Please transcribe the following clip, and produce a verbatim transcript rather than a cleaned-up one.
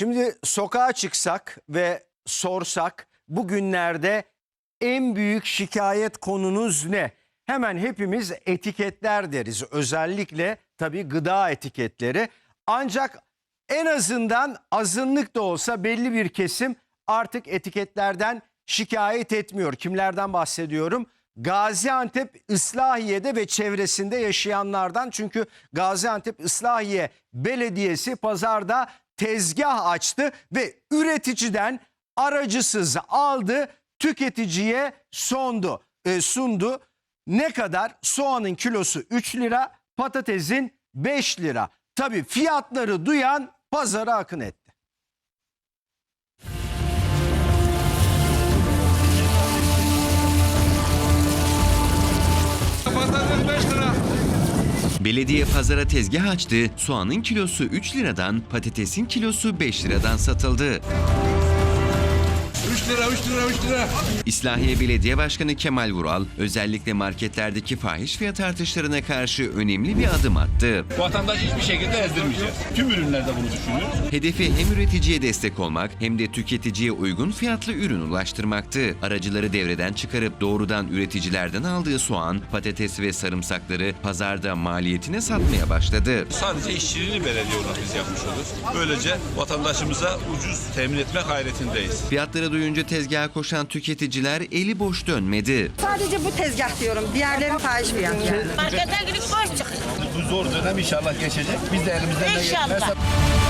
Şimdi sokağa çıksak ve sorsak bugünlerde en büyük şikayet konunuz ne? Hemen hepimiz etiketler deriz. Özellikle tabii gıda etiketleri. Ancak en azından azınlık da olsa belli bir kesim artık etiketlerden şikayet etmiyor. Kimlerden bahsediyorum? Gaziantep, Islahiye'de ve çevresinde yaşayanlardan. Çünkü Gaziantep Islahiye Belediyesi pazarda tezgah açtı ve üreticiden aracısız aldı, tüketiciye sondu, e, sundu. Ne kadar? Soğanın kilosu üç lira, patatesin beş lira. Tabii fiyatları duyan pazara akın etti. Patates beş lira. Belediye pazara tezgah açtı, soğanın kilosu üç liradan, patatesin kilosu beş liradan satıldı. üç lira, üç lira, üç lira. İslahiye Belediye Başkanı Kemal Vural, özellikle marketlerdeki fahiş fiyat artışlarına karşı önemli bir adım attı. Vatandaş hiçbir şekilde ezdirmeyeceğiz. Tüm ürünlerde bunu düşünüyoruz. Hedefi hem üreticiye destek olmak hem de tüketiciye uygun fiyatlı ürün ulaştırmaktı. Aracıları devreden çıkarıp doğrudan üreticilerden aldığı soğan, patates ve sarımsakları pazarda maliyetine satmaya başladı. Sadece işçiliğini belediye olarak biz yapmış oluruz. Böylece vatandaşımıza ucuz temin etme gayretindeyiz. Fiyatları duyunca tezgaha koşan tüketiciler eli boş dönmedi. Sadece bu tezgah diyorum. Diğerleri fahiş fiyat yani. Markete gidip boş çık. Bu zor dönem inşallah geçecek. Biz de elimizden ne İnşallah. gelirse